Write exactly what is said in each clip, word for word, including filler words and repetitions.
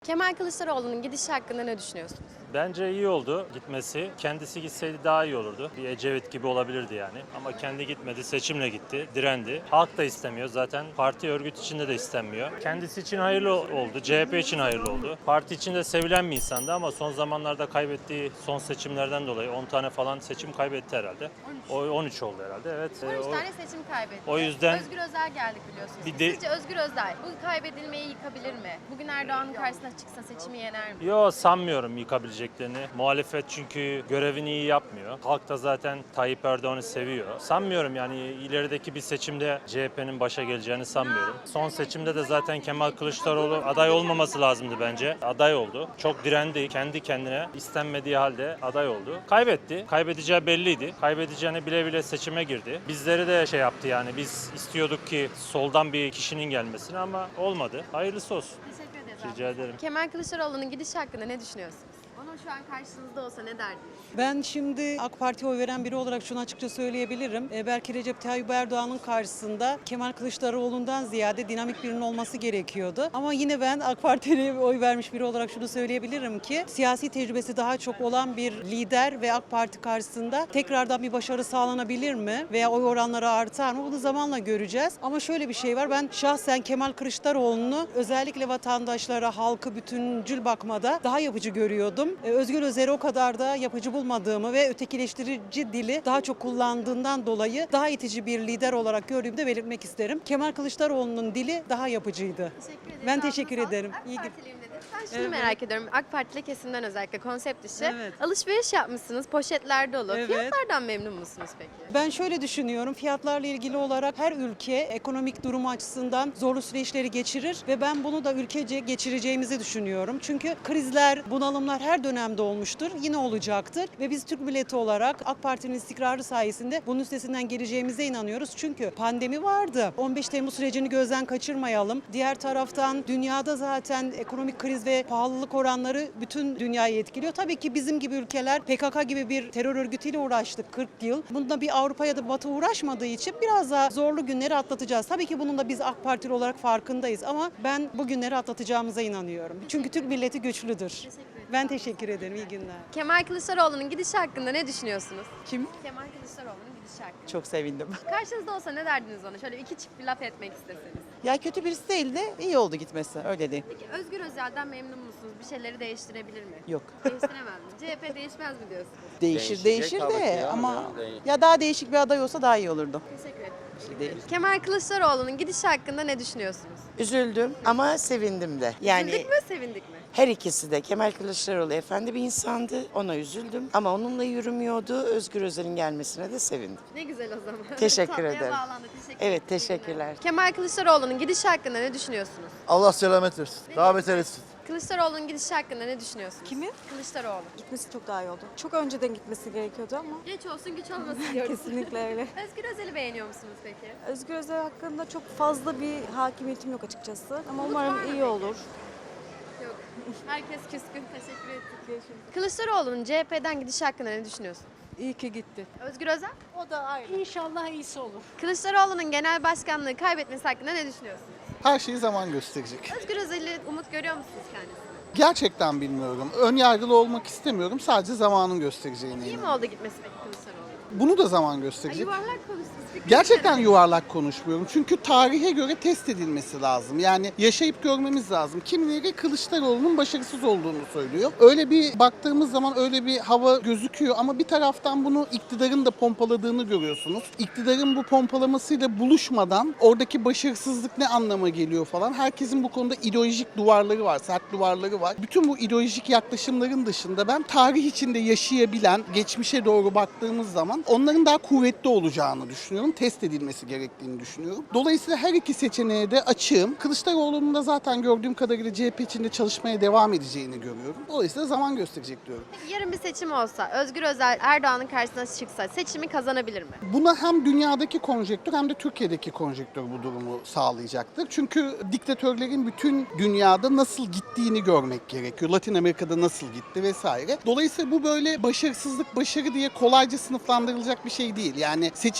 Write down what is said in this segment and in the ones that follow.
Kemal Kılıçdaroğlu'nun gidişi hakkında ne düşünüyorsunuz? Bence iyi oldu gitmesi. Kendisi gitseydi daha iyi olurdu. Bir Ecevit gibi olabilirdi yani. Ama kendi gitmedi, seçimle gitti, direndi. Halk da istemiyor. Zaten parti örgüt içinde de istenmiyor. Kendisi için hayırlı oldu, C H P için hayırlı oldu. Parti içinde sevilen bir insandı ama son zamanlarda kaybettiği son seçimlerden dolayı on tane falan seçim kaybetti herhalde. O on üç oldu herhalde. Evet. on üç o, tane seçim kaybetti. o yüzden- Özgür Özel geldik biliyorsunuz. Bir de- Sizce Özgür Özel bu kaybedilmeyi yıkabilir mi? Bugün Erdoğan'ın karşısına çıksa seçimi yener mi? Yo, sanmıyorum yıkabileceklerini. Muhalefet çünkü görevini iyi yapmıyor. Halk da zaten Tayyip Erdoğan'ı seviyor. Sanmıyorum yani ilerideki bir seçimde C H P'nin başa geleceğini sanmıyorum. Son seçimde de zaten Kemal Kılıçdaroğlu aday olmaması lazımdı bence. Aday oldu. Çok direndi. Kendi kendine istenmediği halde aday oldu. Kaybetti. Kaybedeceği belliydi. Kaybedeceğini bile bile seçime girdi. Bizleri de şey yaptı yani biz istiyorduk ki soldan bir kişinin gelmesini ama olmadı. Hayırlısı olsun. Teşekkür ederiz. Rica ederim. Kemal Kılıçdaroğlu'nun gidişi hakkında ne düşünüyorsunuz? Onun şu an karşınızda olsa ne derdiniz? Ben şimdi AK Parti'ye oy veren biri olarak şunu açıkça söyleyebilirim. E, belki Recep Tayyip Erdoğan'ın karşısında Kemal Kılıçdaroğlu'ndan ziyade dinamik birinin olması gerekiyordu. Ama yine ben AK Parti'ye oy vermiş biri olarak şunu söyleyebilirim ki siyasi tecrübesi daha çok olan bir lider ve AK Parti karşısında tekrardan bir başarı sağlanabilir mi? Veya oy oranları artar mı? Bunu zamanla göreceğiz. Ama şöyle bir şey var. Ben şahsen Kemal Kılıçdaroğlu'nu özellikle vatandaşlara, halkı bütüncül bakmada daha yapıcı görüyordum. Ee, Özgür Özel'i o kadar da yapıcı bulmadığımı ve ötekileştirici dili daha çok kullandığından dolayı daha itici bir lider olarak gördüğümü de belirtmek isterim. Kemal Kılıçdaroğlu'nun dili daha yapıcıydı. Teşekkür ederim. Ben Ağzına teşekkür sağlık. ederim. AK İyi gün- Partiliyim dediniz. Ben şunu Evet. merak ediyorum. AK Partili kesimden özellikle konsept dışı. Evet. Alışveriş yapmışsınız. Poşetler dolu. Evet. Fiyatlardan memnun musunuz peki? Ben şöyle düşünüyorum, fiyatlarla ilgili olarak her ülke ekonomik durumu açısından zorlu süreçleri geçirir ve ben bunu da ülkece geçireceğimizi düşünüyorum. Çünkü krizler, bunalımlar her dönemde olmuştur, yine olacaktır ve biz Türk milleti olarak AK Parti'nin istikrarı sayesinde bunun üstesinden geleceğimize inanıyoruz. Çünkü pandemi vardı. on beş Temmuz sürecini gözden kaçırmayalım. Diğer taraftan dünyada zaten ekonomik kriz ve pahalılık oranları bütün dünyayı etkiliyor. Tabii ki bizim gibi ülkeler P K K gibi bir terör örgütüyle uğraştık kırk yıl. Bunda bir Avrupa ya da Batı uğraşmadığı için biraz daha zorlu günleri atlatacağız. Tabii ki bunun da biz AK Partili olarak farkındayız ama ben bu günleri atlatacağımıza inanıyorum. Çünkü Türk milleti güçlüdür. Ben teşekkür ederim. İyi günler. Kemal Kılıçdaroğlu'nun gidişi hakkında ne düşünüyorsunuz? Kim? Kemal Kılıçdaroğlu'nun gidişi hakkında. Çok sevindim. Karşınızda olsa ne derdiniz ona? Şöyle iki çift bir laf etmek isteseniz. Ya kötü birisi değil de iyi oldu gitmesi. Öyle değil. Peki Özgür Özel'den memnun musunuz? Bir şeyleri değiştirebilir mi? Yok. Değiştiremez mi? C H P değişmez mi diyorsunuz? Değişir Değişecek değişir tabii ki de ya, ama canım, değişir. ya daha değişik bir aday olsa daha iyi olurdu. Teşekkür ederim. Bir şey değil. Kemal Kılıçdaroğlu'nun gidişi hakkında ne düşünüyorsunuz? Üzüldüm ama sevindim de. Yani Üzüldük mü, sevindik mi? her ikisi de. Kemal Kılıçdaroğlu efendi bir insandı. Ona üzüldüm ama onunla yürümüyordu. Özgür Özel'in gelmesine de sevindim. Ne güzel o zaman. Teşekkür Tatlıya ederim. bağlandı. Teşekkür Evet, ederim. teşekkürler. Kemal Kılıçdaroğlu'nun gidişi hakkında ne düşünüyorsunuz? Allah selamet versin. Daha beter etsin. Kılıçdaroğlu'nun gidişi hakkında ne düşünüyorsunuz? Kimin? Kılıçdaroğlu. Gitmesi çok daha iyi oldu. Çok önceden gitmesi gerekiyordu ama Geç olsun güç olmasın diyoruz. kesinlikle öyle. Özgür Özel'i beğeniyor musunuz peki? Özgür Özel hakkında çok fazla bir hakimiyetim yok açıkçası. Ama Umut var mı umarım iyi peki? olur. Yok. Herkes küskün. Teşekkür ettik. Kılıçdaroğlu'nun C H P'den gidişi hakkında ne düşünüyorsun? İyi ki gitti. Özgür Özel? O da ayrı. İnşallah iyisi olur. Kılıçdaroğlu'nun genel başkanlığı kaybetmesi hakkında ne düşünüyorsunuz? Her şeyi zaman gösterecek. Özgür Özel'i umut görüyor musunuz kendisine? Gerçekten bilmiyorum. Ön yargılı olmak istemiyorum. Sadece zamanın göstereceğine İyi mi inanıyorum. oldu gitmesi peki Kılıçdaroğlu? Bunu da zaman Ay, gösterecek. yuvarlak konuştunuz. Fikri Gerçekten verin. yuvarlak konuşmuyorum. Çünkü tarihe göre test edilmesi lazım. Yani yaşayıp görmemiz lazım. Kimileri Kılıçdaroğlu'nun başarısız olduğunu söylüyor. Öyle bir baktığımız zaman öyle bir hava gözüküyor ama bir taraftan bunu iktidarın da pompaladığını görüyorsunuz. İktidarın bu pompalamasıyla buluşmadan oradaki başarısızlık ne anlama geliyor falan. Herkesin bu konuda ideolojik duvarları var, sert duvarları var. Bütün bu ideolojik yaklaşımların dışında ben tarih içinde yaşayabilen, geçmişe doğru baktığımız zaman onların daha kuvvetli olacağını düşünüyorum. Test edilmesi gerektiğini düşünüyorum. Dolayısıyla her iki seçeneğe de açığım. Kılıçdaroğlu'nun da zaten gördüğüm kadarıyla C H P içinde çalışmaya devam edeceğini görüyorum. Dolayısıyla zaman gösterecek diyorum. Peki yarın bir seçim olsa, Özgür Özel Erdoğan'ın karşısına çıksa seçimi kazanabilir mi? Buna hem dünyadaki konjektür hem de Türkiye'deki konjektür bu durumu sağlayacaktır. Çünkü diktatörlerin bütün dünyada nasıl gittiğini görmek gerekiyor. Latin Amerika'da nasıl gitti vesaire. Dolayısıyla bu böyle başarısızlık, başarı diye kolayca sınıflandırılacak bir şey değil. Yani seçimi C H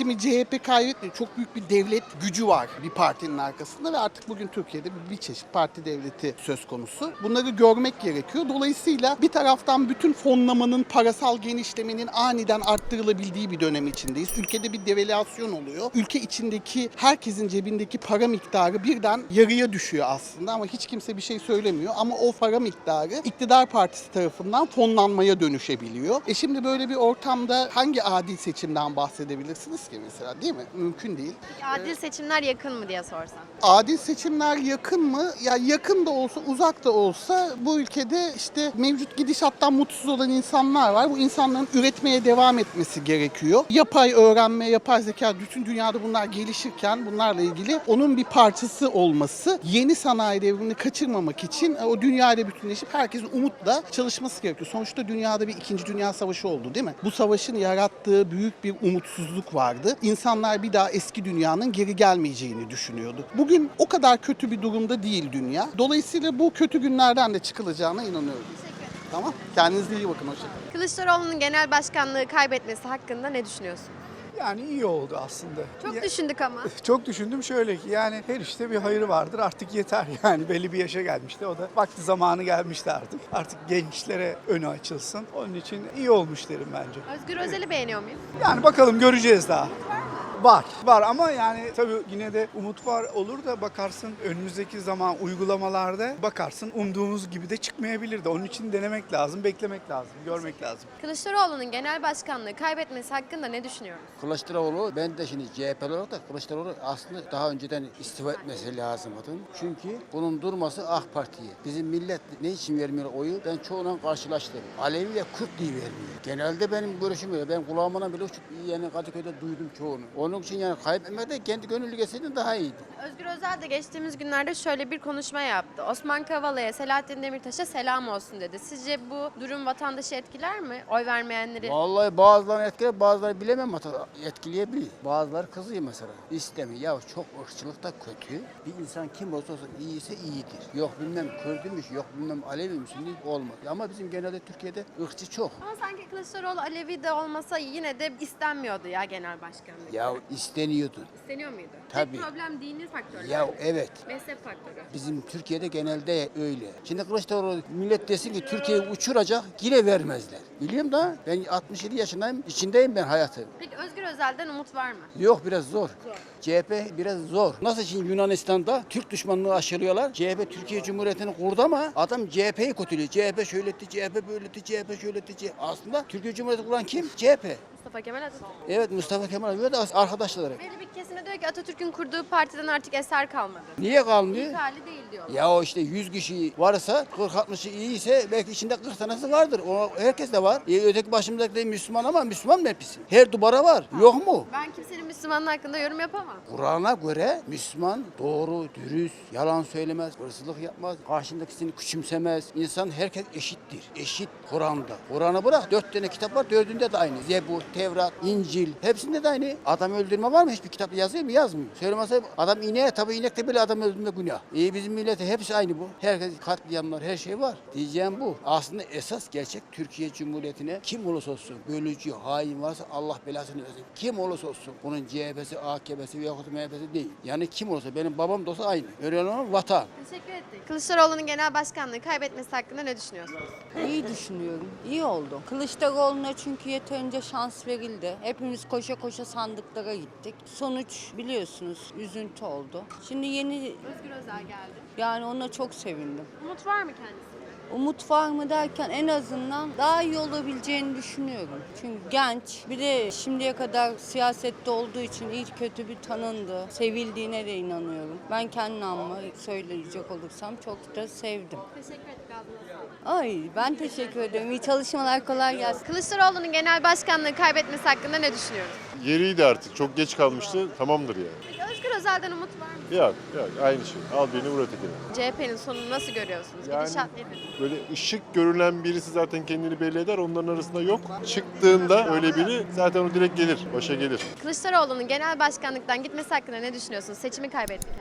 P kaybetmiyor. Çok büyük bir devlet gücü var bir partinin arkasında ve artık bugün Türkiye'de bir çeşit parti devleti söz konusu. Bunları görmek gerekiyor. Dolayısıyla bir taraftan bütün fonlamanın, parasal genişlemenin aniden arttırılabildiği bir dönem içindeyiz. Ülkede bir devalüasyon oluyor. Ülke içindeki herkesin cebindeki para miktarı birden yarıya düşüyor aslında ama hiç kimse bir şey söylemiyor. Ama o para miktarı iktidar partisi tarafından fonlanmaya dönüşebiliyor. E şimdi böyle bir ortamda hangi adil seçimden bahsedebilirsiniz ki mesela, değil mi? Mümkün değil. Adil seçimler yakın mı diye sorsam. Adil seçimler yakın mı? Ya yakın da olsa, uzak da olsa bu ülkede işte mevcut gidişattan mutsuz olan insanlar var. Bu insanların üretmeye devam etmesi gerekiyor. Yapay öğrenme, yapay zeka, bütün dünyada bunlar gelişirken bunlarla ilgili onun bir parçası olması, yeni sanayi devrimini kaçırmamak için o dünyayla bütünleşip herkesin umutla çalışması gerekiyor. Sonuçta dünyada bir ikinci Dünya Savaşı oldu, değil mi? Bu savaşın yarattığı büyük bir umutsuzluk vardı. İnsanlar bir daha eski dünyanın geri gelmeyeceğini düşünüyordu. Bugün o kadar kötü bir durumda değil dünya. Dolayısıyla bu kötü günlerden de çıkılacağına inanıyorum. Tamam. Kendinize iyi bakın. Hoşçakalın. Kılıçdaroğlu'nun genel başkanlığı kaybetmesi hakkında ne düşünüyorsun? Yani iyi oldu aslında. Çok Ya- düşündük ama. Çok düşündüm şöyle ki yani her işte bir hayır vardır artık yeter yani belli bir yaşa gelmişti o da vakti zamanı gelmişti artık. Artık gençlere önü açılsın. Onun için iyi olmuş derim bence. Özgür Özel'i beğeniyor muyum? Yani bakalım göreceğiz daha. Var. Var ama yani tabii yine de umut var olur da bakarsın önümüzdeki zaman uygulamalarda bakarsın umduğumuz gibi de çıkmayabilir de. Onun için denemek lazım, beklemek lazım, görmek lazım. Kılıçdaroğlu'nun genel başkanlığı kaybetmesi hakkında ne düşünüyorsun? Kılıçdaroğlu, ben de şimdi C H P'li olarak da Kılıçdaroğlu aslında daha önceden istifa etmesi lazımdı. Çünkü bunun durması AK Parti'ye. Bizim millet ne için vermiyor oyu? Ben çoğundan karşılaştım. Alevi ve Kürt diye vermiyor. Genelde benim görüşüm öyle. Ben kulağımdan bile uçup yani Kadıköy'de duydum çoğunu. Onun için yani kaybetmek de kendi gönüllü geçseydin daha iyiydi. Özgür Özel de geçtiğimiz günlerde şöyle bir konuşma yaptı. Osman Kavala'ya, Selahattin Demirtaş'a selam olsun dedi. Sizce bu durum vatandaşı etkiler mi? Oy vermeyenleri. Vallahi bazılarını etkiler, bazıları bilemem hatta etkileyebilir. Bazıları kızıyor mesela. İstemiyor. Ya çok ırkçılık da kötü. Bir insan kim olsa olsun iyiyse iyidir. Yok bilmem Kürdümüş, yok bilmem Aleviymiş değil, olmaz. Ama bizim genelde Türkiye'de ırkçı çok. Ama sanki Kılıçdaroğlu Alevi de olmasa yine de istenmiyordu ya genel başkanlık. Ya isteniyordu. İsteniyor muydu? Tabii. Tek problem dini faktörler. Ya evet. Mezhep faktörü. Bizim Türkiye'de genelde öyle. Şimdi Kılıçdaroğlu millet desin ki Türkiye'yi uçuracak yine vermezler. Biliyorum da ben altmış yedi yaşındayım, içindeyim ben hayatı. Peki Özgür Özel'den umut var mı? Yok biraz zor. Zor. C H P biraz zor. Nasıl şimdi Yunanistan'da Türk düşmanlığı aşılıyorlar. C H P Türkiye Cumhuriyeti'ni kurdu ama adam C H P'yi kötülüyor. C H P şöyle etti, C H P böyle etti, C H P şöyle etti. C H P. Aslında Türkiye Cumhuriyeti kuran kim? C H P. Mustafa Kemal Atatürk. Evet Mustafa Kemal ve de arkadaşları. Belli bir kesime diyor ki Atatürk'ün kurduğu partiden artık eser kalmadı. Niye kalmıyor? İlk hali değil diyorlar. Ya o işte yüz kişi varsa kırk altmışı iyiyse belki içinde kırk tanesi vardır. O herkes de var. E, öteki başımızdaki de Müslüman ama Müslüman mı hepsi? Her duvara var. Yok mu? Ben kimsenin Müslümanlığı hakkında yorum yapamam. Kur'an'a göre Müslüman doğru, dürüst, yalan söylemez, hırsızlık yapmaz, karşındakisini küçümsemez. İnsan herkes eşittir. Eşit Kur'an'da. Kur'an'ı bırak dört tane kitap var, dördünde de aynı. Zebur, Tevrat, İncil, hepsinde de aynı. Adam öldürme var mı? Hiçbir kitapta yazıyor mu? Yazmıyor. Söylemezse adam ineğe tabi inekte bile adam öldürme günah. İyi bizim millete hepsi aynı bu. Herkes katliamlar, her şey var. Diyeceğim bu. Aslında esas gerçek Türkiye Cumhuriyeti'ne kim olursa olsun, bölücü, hain varsa Allah belasını versin. Kim olursa olsun. Bunun C H P'si, A K P'si veya M H P'si değil. Yani kim olursa benim babam da olsa aynı. Öyle olan vatan. Teşekkür ettik. Kılıçdaroğlu'nun genel başkanlığı kaybetmesi hakkında ne düşünüyorsunuz? İyi düşünüyorum. İyi oldu. Kılıçdaroğlu'na çünkü yeterince şans verildi. Hepimiz koşa koşa sandıklara gittik. Sonuç biliyorsunuz üzüntü oldu. Şimdi yeni Özgür Özel geldi. yani ona çok sevindim. Umut var mı kendisinde? Umut var mı derken en azından daha iyi olabileceğini düşünüyorum. Çünkü genç, bir de şimdiye kadar siyasette olduğu için iyi kötü bir tanındı. Sevildiğine de inanıyorum. Ben kendi namımı söyleyecek olursam çok da sevdim. Teşekkür ettik ağzına. Ay ben teşekkür ederim. İyi çalışmalar, kolay gelsin. Kılıçdaroğlu'nun genel başkanlığı kaybetmesi hakkında ne düşünüyorsunuz? Yeriydi artık. Çok geç kalmıştı. Tamamdır yani. Peki Özgür Özel'den umut var mı? Yok yok aynı şey. Al birini vur ötekini. C H P'nin sonunu nasıl görüyorsunuz? Yani- Gidişat nedir? Böyle ışık görülen birisi zaten kendini belli eder. Onların arasında yok. Çıktığında öyle biri zaten o direkt gelir. Başa gelir. Kılıçdaroğlu'nun genel başkanlıktan gitmesi hakkında ne düşünüyorsunuz? Seçimi kaybetti kendisi.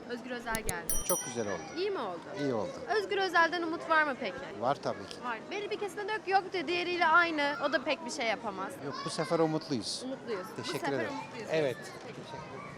Özgür Özel geldi. Çok güzel oldu. İyi mi oldu? İyi oldu. Özgür Özel'den umut var mı peki? Var tabii ki. Var. Belli bir kesimde diyor ki yok diyor, diğeriyle aynı. O da pek bir şey yapamaz. Yok bu sefer umutluyuz. Umutluyuz. Bu Teşekkür sefer ederim. umutluyuz. Evet. Peki.